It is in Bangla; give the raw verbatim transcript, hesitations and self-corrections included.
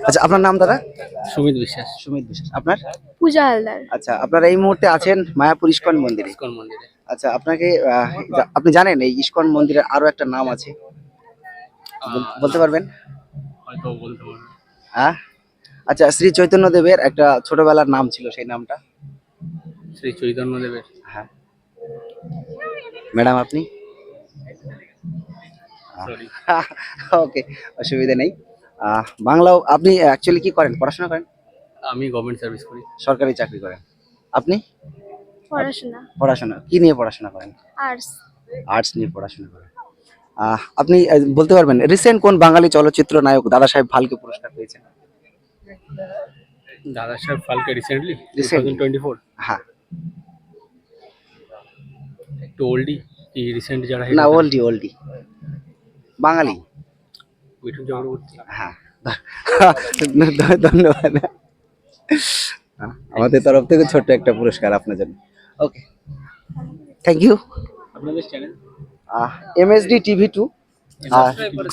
আচ্ছা, আপনার নাম দাদা? সুমিত বিশ্বাস। সুমিত বিশ্বাস। আপনার? পূজা হালদার। আচ্ছা, আপনারা এই মুহূর্তে আছেন মায়াপুর ইস্কন মন্দিরে। ইসকন মন্দিরে। আচ্ছা, আপনাকে আহ, জা- আপনি জানেন এই ইস্কন মন্দিরের আরো একটা নাম আছে, বল- বলতে পারবেন? হয়তো বলতে পারবো। হ্যাঁ, আচ্ছা, শ্রী চৈতন্য দেবের একটা ছোটবেলার নাম ছিল, সেই নামটা? শ্রী চৈতন্য দেবের। হ্যাঁ। ম্যাডাম আপনি? সরি। ওকে, অসুবিধা নেই। আহ, বাংলাও আপনি অ্যাকচুয়ালি কি করেন, পড়াশোনা করেন? আমি গভর্নমেন্ট সার্ভিস করি। সরকারি চাকরি করেন। আপনি? পড়াশোনা। পড়াশোনা কি নিয়ে পড়াশোনা করেন? আর্টস। আর্টস নিয়ে পড়াশোনা করেন। আহ, আপনি আহ, বলতে পারবেন রিসেন্ট কোন বাঙালি চলচ্চিত্র নায়ক দাদা সাহেব ফালকে পুরস্কার পেয়েছেন? Dada Saheb Phalke recently two Recently? Thousand twenty four. হ্যাঁ। একটু ওল্ডি কি রিসেন্ট যারা না, ওল্ডি ওল্ডি বাঙালি। মিঠুন চক্রবর্তী। হ্যাঁ। ধ- ধন্যবাদ। হ্যাঁ, আমাদের তরফ থেকে ছোট্ট একটা পুরস্কার আপনার জন্য। Okay, thank you. আপনাদের চ্যানেল এমএসডি টিভি টু।